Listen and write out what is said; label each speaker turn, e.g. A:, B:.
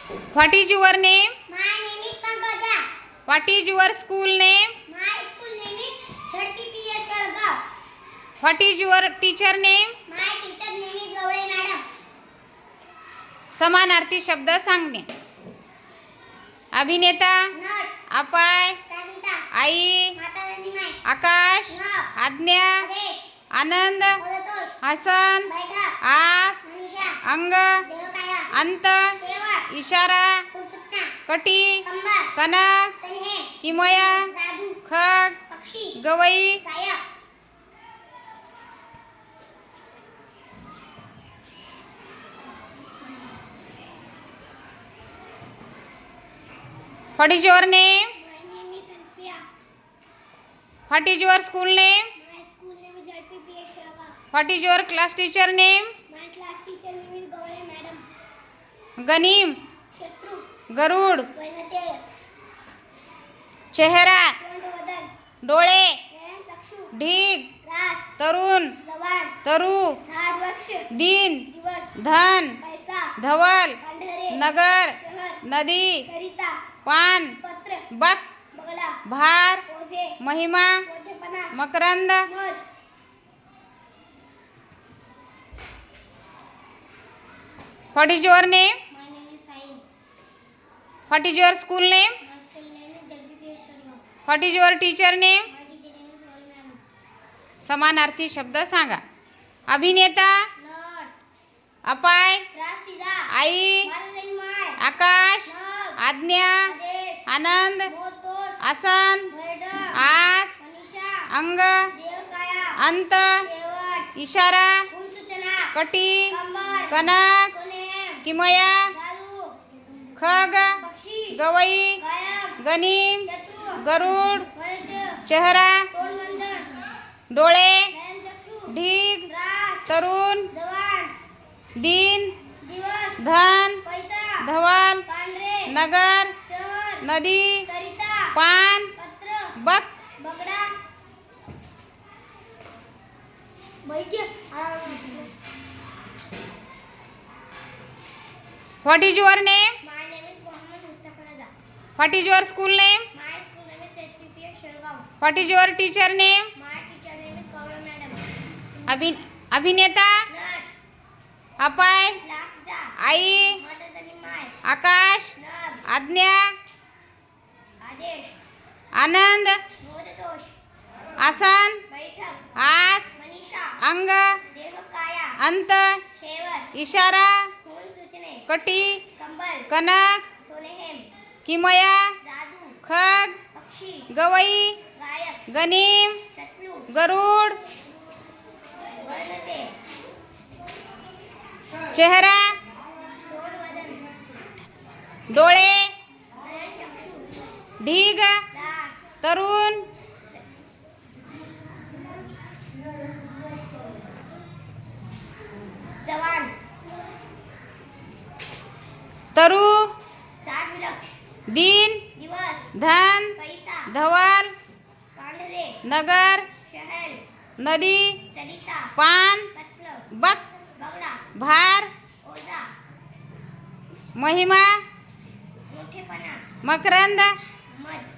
A: What is your name?
B: My name is Pankaja.
A: What is your school name?
B: My school name is ZPPS Shargaon.
A: What is your teacher name?
B: My teacher name is Gawde Madam.
A: समानार्थी शब्द सांगणे. अभिनेता,
B: नट,
A: अपाय,
B: राधिका,
A: आई,
B: माता रानी,
A: आकाश,
B: नाव,
A: आज्ञा,
B: आदेश,
A: आनंद,
B: मदतोष,
A: हसन,
B: बैठक,
A: आस,
B: मनीषा,
A: अंग,
B: देवकाया,
A: अंत,
B: शेवट,
A: इशारा,
B: फुलसुटना,
A: कटी,
B: कंबर,
A: कनक,
B: सन्हेम,
A: किमया,
B: जादू,
A: खग,
B: पक्षी,
A: गवई.
B: गायक.
A: What is your name?
B: My name is Alfia.
A: What is your school name?
B: My school name is ZPPS Shargaon.
A: What is your class teacher name?
B: My class teacher name is Gawde Madam.
A: गनीम,
B: शत्रु,
A: गरुड,
B: वैनतेय,
A: चेहरा,
B: तोंडवदन,
A: डोळे,
B: नयन चक्षु,
A: ढीग,
B: रास,
A: तरुण,
B: जवान,
A: तरु,
B: झाड वृक्ष,
A: दिन,
B: दिवस,
A: धन,
B: पैसा,
A: धवल,
B: पांढरे,
A: नगर,
B: शहर,
A: नदी,
B: सरिता,
A: पान,
B: पत्र,
A: बक,
B: बगळा,
A: भार,
B: ओझे,
A: महिमा,
B: मोठेपणा,
A: मकरंद.
B: मध.
A: What is your name?
B: My name is Sain.
A: What is your school name?
B: My school name is ZPPS Shargaon.
A: What is your teacher name?
B: My teacher name is Gawde Madam.
A: समानार्थी शब्द सांगा. अभिनेता,
B: नट,
A: अपाय,
B: त्रासिदा,
A: आई,
B: माता माय,
A: आकाश,
B: नभ,
A: आज्ञा,
B: आदेश,
A: आनंद,
B: मोतोष,
A: आसन,
B: बैठक,
A: आस,
B: मनीषा,
A: अंग,
B: देवकाया,
A: अंत,
B: शेवट,
A: इशारा,
B: फुलसुटना,
A: कटी,
B: कंबर,
A: कनक,
B: सोनेम,
A: किमया,
B: जादू,
A: खग,
B: पक्षी,
A: गवई,
B: गायक,
A: गनीम,
B: शत्रु,
A: गरुड,
B: वैद्य,
A: चेहरा,
B: तोंडवदन,
A: डोळे,
B: नयनचक्षु,
A: ढीग,
B: रास,
A: तरुण,
B: जवान,
A: दिन,
B: दिवस,
A: धन,
B: पैसा,
A: धवल,
B: पांढरे,
A: नगर,
B: शहर,
A: नदी,
B: सरिता,
A: पान,
B: पत्र,
A: बक.
B: बगडा. वैद्य.
A: What is your name?
B: My name is Mohammed Mustafa Raza.
A: What is your school name?
B: My school name is ZPPS Shargaon.
A: What is your teacher name?
B: My teacher name is Gawde Madam.
A: अभिनेता,
B: नट,
A: अपाय,
B: लाक्सदा,
A: आई,
B: माता रानी माय,
A: आकाश,
B: नभ,
A: आज्ञा,
B: आदेश,
A: आनंद,
B: मोदतोष,
A: आसन,
B: बैठक,
A: आस,
B: मनीषा,
A: अंग,
B: देवकाया,
A: अंत,
B: शेवट,
A: इशारा,
B: फुलसुटने,
A: कटी,
B: कंबल,
A: कनक,
B: सोनेहेम,
A: किमया,
B: जादू,
A: खग,
B: पक्षी,
A: गवई,
B: गायक,
A: गनीम,
B: शत्रू,
A: गरुड,
B: वैनते,
A: चेहरा,
B: तोंडवदन,
A: डोळे,
B: नयनचक्षु,
A: ढीग,
B: रास,
A: तरुण,
B: जवान,
A: तरु,
B: झाड वृक्ष,
A: दिन,
B: दिवस,
A: धन,
B: पैसा,
A: धवल,
B: पांढरे,
A: नगर,
B: शहर,
A: नदी,
B: सरिता,
A: पान,
B: पत्र,
A: बक,
B: बगडा,
A: भार,
B: ओझा,
A: महिमा,
B: मोठेपणा,
A: मकरंद.
B: मध.